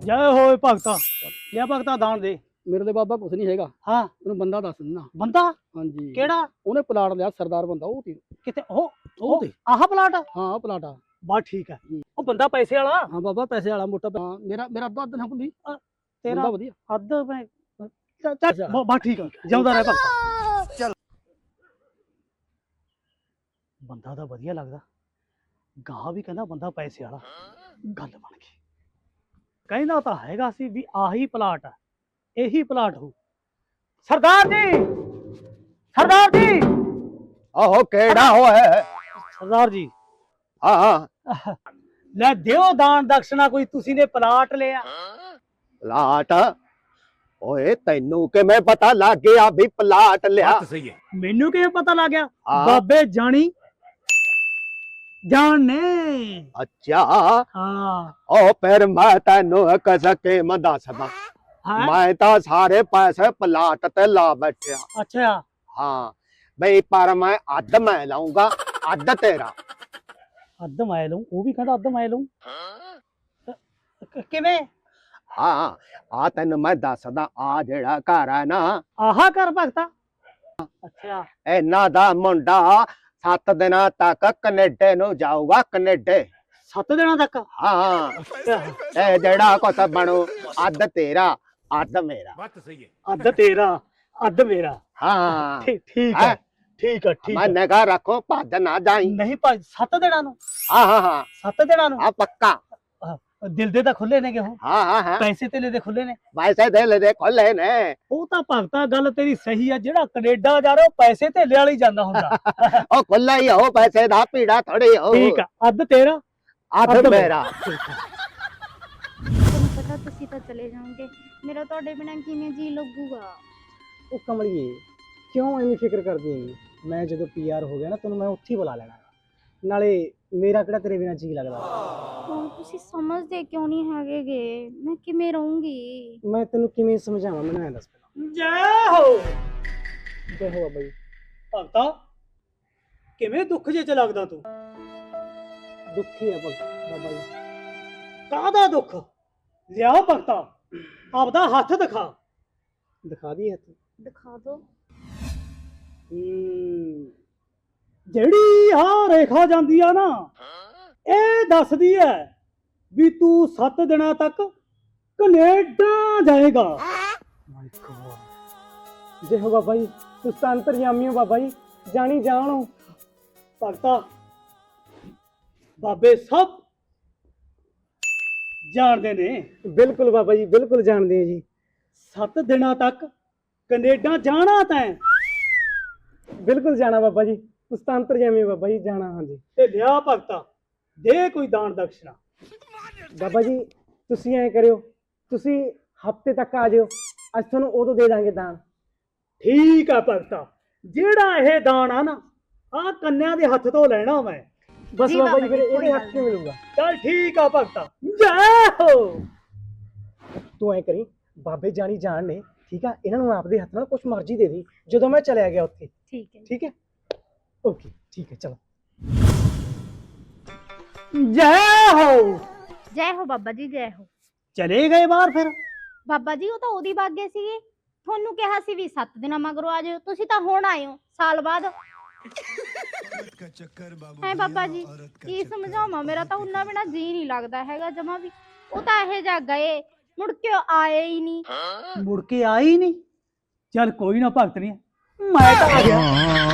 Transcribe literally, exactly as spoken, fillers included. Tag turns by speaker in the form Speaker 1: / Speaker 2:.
Speaker 1: ਜੈ ਹੋਏ ਭਗਤਾ। ਲਿਆ ਭਗਤਾ ਦਾਨ ਦੇ।
Speaker 2: ਮੇਰੇ ਤੇ ਬਾਬਾ ਕੁਛ ਨਹੀਂ ਹੈਗਾ।
Speaker 1: ਹਾਂ
Speaker 2: ਉਹਨੂੰ ਬੰਦਾ ਦੱਸ ਦਿੰਦਾ।
Speaker 1: ਬੰਦਾ
Speaker 2: ਹਾਂਜੀ
Speaker 1: ਕਿਹੜਾ?
Speaker 2: ਉਹਨੇ ਪਲਾਟ ਲਿਆ ਸਰਦਾਰ ਬੰਦਾ ਉਹ ਤੇ
Speaker 1: ਕਿਤੇ ਉਹ
Speaker 2: ਉਹ ਤੇ
Speaker 1: ਆਹ ਪਲਾਟ?
Speaker 2: ਹਾਂ ਉਹ ਪਲਾਟ ਆ।
Speaker 1: ਬਸ ਠੀਕ ਹੈ। ਉਹ ਬੰਦਾ ਪੈਸੇ ਵਾਲਾ?
Speaker 2: ਹਾਂ ਬਾਬਾ ਪੈਸੇ ਵਾਲਾ ਮੋਟਾ। ਹਾਂ, ਮੇਰਾ ਮੇਰਾ ਅੱਧਾ ਅੱਧਾ ਨਾ ਹੁੰਦੀ
Speaker 1: ਤੇਰਾ
Speaker 2: ਬੰਦਾ ਵਧੀਆ।
Speaker 1: ਅੱਧ ਮੈਂ ਚੱਲ ਚੱਲ ਬਸ ਠੀਕ ਆ। ਜਿਉਂਦਾ ਰਹਿ ਭਗਤਾ।
Speaker 2: ਚੱਲ
Speaker 1: ਬੰਦਾ ਤਾਂ ਵਧੀਆ ਲੱਗਦਾ। ਗਾਹ ਵੀ ਕਹਿੰਦਾ ਬੰਦਾ ਪੈਸੇ ਵਾਲਾ। ਗੱਲ ਬਣ ਗਈ। ਕਹਿੰਦਾ ਤਾਂ ਹੈਗਾ ਸੀ ਵੀ ਆਹੀ ਪਲਾਟ ਆ, ਇਹੀ ਪਲਾਟ ਹੋ। ਸਰਦਾਰ ਜੀ, ਸਰਦਾਰ ਜੀ।
Speaker 3: ਆਹੋ ਕਿਹੜਾ ਹੋਇਆ?
Speaker 1: ਸਰਦਾਰ ਜੀ
Speaker 3: ਹਾਂ ਹਾਂ
Speaker 1: ਲੈ ਦਿਓ ਦਾਨ ਦਕਸ਼ਨਾ ਕੋਈ। ਤੁਸੀਂ ਨੇ ਪਲਾਟ ਲਿਆ?
Speaker 3: ਪਲਾਟ? ਓਏ ਤੈਨੂੰ ਕਿਵੇਂ ਪਤਾ ਲੱਗ ਗਿਆ ਵੀ ਪਲਾਟ ਲਿਆ?
Speaker 4: ਸਹੀ ਹੈ।
Speaker 1: ਮੈਨੂੰ ਕਿਵੇਂ ਪਤਾ ਲੱਗ ਗਿਆ?
Speaker 3: ਹਾਂ।
Speaker 1: ਬਾਬੇ ਜਾਣੀ ਜਾਣ ਨੇ।
Speaker 3: ਅੱਛਾ
Speaker 1: ਹਾਂ
Speaker 3: ਉਹ ਫਿਰ ਮੈਂ ਤੈਨੂੰ ਇੱਕ ਸਕੀਮ ਦੱਸਦਾ।
Speaker 1: ਹਾਂ
Speaker 3: ਮੈਂ ਤਾਂ ਸਾਰੇ ਪੈਸੇ ਪਲਾਟ ਤੇ ਲਾ ਬੈਠਿਆ।
Speaker 1: ਅੱਛਾ
Speaker 3: ਹਾਂ ਬਈ ਪਰ ਮੈਂ ਅੱਧ ਮੈਂ ਲਾਉਂਗਾ ਅੱਧ ਤੇਰਾ।
Speaker 1: ਅੱਧ ਮੈਂ ਲਊਂ? ਉਹ ਵੀ ਕਹਿੰਦਾ ਅੱਧ ਮੈਂ ਲਊਂ। ਕ- ਕਿਵੇਂ?
Speaker 3: ਹਾਂ ਆ ਤੈਨੂੰ ਮੈਂ ਦੱਸਦਾ। ਆ ਜਿਹੜਾ ਘਰ ਹੈ ਨਾ,
Speaker 1: ਆਹਾ ਕਰ ਭਗਤਾ। ਅੱਛਾ
Speaker 3: ਇਹਨਾਂ ਦਾ ਮੁੰਡਾ ਸੱਤ ਦਿਨਾਂ ਤੱਕ ਕੈਨੇਡਾ ਨੂੰ ਜਾਊਗਾ। ਕੈਨੇਡਾ।
Speaker 1: ਸੱਤ ਦਿਨਾਂ ਤੱਕ?
Speaker 3: ਹਾਂ
Speaker 1: ਅੱਛਾ
Speaker 3: ਇਹ ਜਿਹੜਾ ਕੁਛ ਬਣੂ ਅੱਧ ਤੇਰਾ ਅੱਧ ਮੇਰਾ।
Speaker 4: ਬਾਤ ਸਹੀ ਹੈ।
Speaker 1: ਅੱਧ ਤੇਰਾ ਅੱਧ ਮੇਰਾ।
Speaker 3: ਹਾਂ
Speaker 1: ਠੀਕ ਠੀਕ ਹੈ ਠੀਕ ਹੈ ਠੀਕ
Speaker 3: ਮੈਂ
Speaker 1: ਹੈ।
Speaker 3: ਨਿਗਾਹ ਰੱਖੋ ਭੱਜ ਨਾ ਜਾਈ।
Speaker 1: ਨਹੀਂ ਭਾਈ ਸੱਤ ਦਿਨਾਂ ਨੂੰ?
Speaker 3: ਹਾਂ ਹਾਂ ਹਾਂ
Speaker 1: ਸੱਤ ਦਿਨਾਂ ਨੂੰ?
Speaker 3: ਆ ਪੱਕਾ।
Speaker 1: ਦਿਲ ਦੇ ਤਾਂ ਖੁੱਲੇ ਨੇਗੇ ਉਹ।
Speaker 3: ਹਾਂ ਹਾਂ ਹਾਂ
Speaker 1: ਪੈਸੇ ਤੇਲੇ ਦੇ ਖੁੱਲੇ ਨੇ।
Speaker 3: ਵੈਸੇ ਦੇ ਲੈ ਦੇ ਖੋਲੇ ਨੇ।
Speaker 1: ਉਹ ਤਾਂ ਭਗਤਾ ਗੱਲ ਤੇਰੀ ਸਹੀ ਆ। ਜਿਹੜਾ ਕੈਨੇਡਾ ਜਾ ਰਿਹਾ ਉਹ ਪੈਸੇ ਧੇਲੇ ਵਾਲੀ ਜਾਂਦਾ ਹੁੰਦਾ।
Speaker 3: ਉਹ ਖੁੱਲਾ ਹੀ ਹੋ ਪੈਸੇ ਦਾ ਪੀੜਾ ਥੋੜੀ ਹੋ।
Speaker 1: ਠੀਕ ਆ। ਅੱਧ ਤੇਰਾ
Speaker 3: ਅੱਧ
Speaker 1: ਅੱਧ
Speaker 3: ਮੇਰਾ।
Speaker 5: ਤੁਹਾਨੂੰ ਪਤਾ ਤੁਸੀਂ ਤਾਂ ਚਲੇ ਜਾਓਗੇ, ਮੇਰਾ ਤੁਹਾਡੇ ਬਿਨਾਂ ਕਿਵੇਂ ਜੀ ਲੱਗੂਗਾ।
Speaker 2: ਉਹ ਕਮਲੀਏ ਕਿਉਂ ਐਵੇਂ ਫਿਕਰ ਕਰਦੀ ਹੈਗੀ? ਮੈਂ ਜਦੋਂ ਪੀਆਰ ਹੋ ਗਿਆ ਨਾ ਤੈਨੂੰ ਮੈਂ ਉੱਥੇ ਹੀ ਬੁਲਾ ਲੈਣਾ। ਨਾਲੇ ਮੇਰਾ ਕਿਹੜਾ ਤੇਰੇ ਬਿਨਾਂ ਜੀ ਲੱਗਦਾ।
Speaker 5: ਹੁਣ ਤੁਸੀਂ ਸਮਝਦੇ ਕਿਉਂ ਨਹੀਂ ਹੈਗੇਗੇ? ਮੈਂ ਕਿਵੇਂ ਰਹੂੰਗੀ?
Speaker 2: ਮੈਂ ਤੈਨੂੰ ਕਿਵੇਂ ਸਮਝਾਵਾਂ? ਮੈਨੂੰ ਐਂ ਦੱਸ ਪਹਿਲਾਂ।
Speaker 1: ਜੈ ਹੋ।
Speaker 2: ਜੈ ਹੋ ਬਾਬਾ ਜੀ।
Speaker 1: ਭਗਤਾ ਕਿਵੇਂ ਦੁੱਖ ਜੇ ਚ ਲੱਗਦਾ ਤੂੰ?
Speaker 2: ਦੁੱਖੀ ਆ ਭਗਤ ਬਾਬਾ ਜੀ।
Speaker 1: ਕਾਹਦਾ ਦੁੱਖ? ਲਿਆ ਭਗਤਾ ਆਪਦਾ ਹੱਥ ਦਿਖਾ।
Speaker 2: ਦਿਖਾ ਦਈਏ ਹੱਥ?
Speaker 5: ਦਿਖਾ ਦਿਓ।
Speaker 2: ਹੂੰ
Speaker 1: ਜਿਹੜੀ ਆ ਰੇਖਾ ਜਾਂਦੀ ਆ ਨਾ, ਇਹ ਦੱਸਦੀ ਐ ਵੀ ਤੂੰ ਸੱਤ ਦਿਨਾਂ ਤੱਕ ਕੈਨੇਡਾ ਜਾਏਗਾ।
Speaker 2: My god. ਜੈ ਹੋ ਬਾਬਾ ਜੀ। ਤੁਸੀਂ ਤਾਂ ਅੰਤਰਯਾਮੀ ਹੋ ਬਾਬਾ ਜੀ। ਜਾਣੀ ਜਾਣੋ।
Speaker 1: ਭਗਤਾ ਬਾਬੇ ਸਭ ਜਾਣਦੇ ਨੇ।
Speaker 2: ਬਿਲਕੁਲ ਬਾਬਾ ਜੀ ਬਿਲਕੁਲ ਜਾਣਦੇ ਆ ਜੀ।
Speaker 1: ਸੱਤ ਦਿਨਾਂ ਤੱਕ ਕੈਨੇਡਾ ਜਾਣਾ ਤੈਂ।
Speaker 2: ਬਿਲਕੁਲ ਜਾਣਾ ਬਾਬਾ ਜੀ। ਤੁਸੀਂ ਤਾਂ ਅੰਤਰਯਾਮੀ ਹੋ ਬਾਬਾ ਜੀ। ਜਾਣਾ ਹਾਂਜੀ।
Speaker 1: ਤੇ ਲਿਆ ਭਗਤਾ ਦੇ ਕੋਈ ਦਾਨ ਦਕਸ਼ਨਾ।
Speaker 2: ਬਾਬਾ ਜੀ ਤੁਸੀਂ ਐਂ ਕਰਿਓ, ਤੁਸੀਂ ਹਫਤੇ ਤੱਕ ਆ ਜਿਓ। ਅੱਜ ਤੁਹਾਨੂੰ ਉਦੋਂ ਦੇ ਦਾਂਗੇ ਦਾਨ।
Speaker 1: ਠੀਕ ਆ ਭਗਤਾ। ਜਿਹੜਾ ਇਹ ਦਾਨ ਆ ਨਾ, ਆ ਕੰਨਿਆਂ ਦੇ ਹੱਥ ਤੋਂ ਲੈਣਾ ਮੈਂ।
Speaker 2: ਬਸ
Speaker 5: ਜੀ
Speaker 2: ਬਾਬਾ
Speaker 5: ਬਾਬਾ
Speaker 2: ਜੀ ਫਿਰ
Speaker 5: ਜੀ, ਕੋਈ
Speaker 2: ਇਹਦੇ
Speaker 5: ਗੱਲ
Speaker 2: ਹੱਥ 'ਚ ਮਿਲੂਗਾ।
Speaker 1: ਚੱਲ ਠੀਕ ਆ ਭਗਤਾ। ਜੈ ਹੋ।
Speaker 2: ਤੂੰ ਐਂ ਕਰੀ, ਬਾਬੇ ਜਾਣੀ ਜਾਣ ਨੇ ਠੀਕ ਆ, ਇਹਨਾਂ ਨੂੰ ਆਪਦੇ ਹੱਥ ਨਾਲ ਕੁਛ ਮਰਜ਼ੀ ਦੇ ਦੀ ਜਦੋਂ ਮੈਂ ਚਲਿਆ ਗਿਆ ਉੱਥੇ।
Speaker 5: ਠੀਕ ਹੈ।
Speaker 2: ਠੀਕ ਹੈ ਓਕੇ ਠੀਕ ਹੈ ਚਲੋ।
Speaker 1: ਜੈ ਹੋ।
Speaker 5: ਜੈ ਹੋ ਬਾਬਾ ਜੀ, ਜੈ ਹੋ।
Speaker 1: ਚਲੇ ਗਏ ਬਾਹਰ ਫਿਰ?
Speaker 5: ਬਾਬਾ ਜੀ ਉਹ ਤਾਂ ਉਹਦੀ ਵਗ ਗਏ ਸੀਗੇ। ਤੁਹਾਨੂੰ ਕਿਹਾ ਸੀ ਵੀ ਸੱਤ ਦਿਨਾਂ ਮਗਰੋਂ ਆ ਜਾਓ, ਤੁਸੀਂ ਤਾਂ ਹੁਣ ਆਏ ਹੋ ਸਾਲ ਬਾਅਦ। ਹੈ ਬਾਬਾ ਜੀ ਕੀ ਸਮਝਾਵਾਂ? ਮੇਰਾ ਤਾਂ ਉਹਨਾਂ ਬਿਨਾਂ ਜੀ ਨਹੀਂ ਲੱਗਦਾ ਹੈਗਾ ਜਮਾ ਵੀ। ਉਹ ਤਾਂ ਇਹ ਜਾ ਗਏ, ਮੁੜ ਕੇ ਆਏ ਹੀ ਨਹੀਂ।
Speaker 1: ਮੁੜ ਕੇ ਆਈ ਨਹੀਂ? ਚੱਲ ਕੋਈ ਨਾ ਭਗਤ ਨਹੀਂ, ਮੈਂ ਤਾਂ ਆ ਗਿਆ।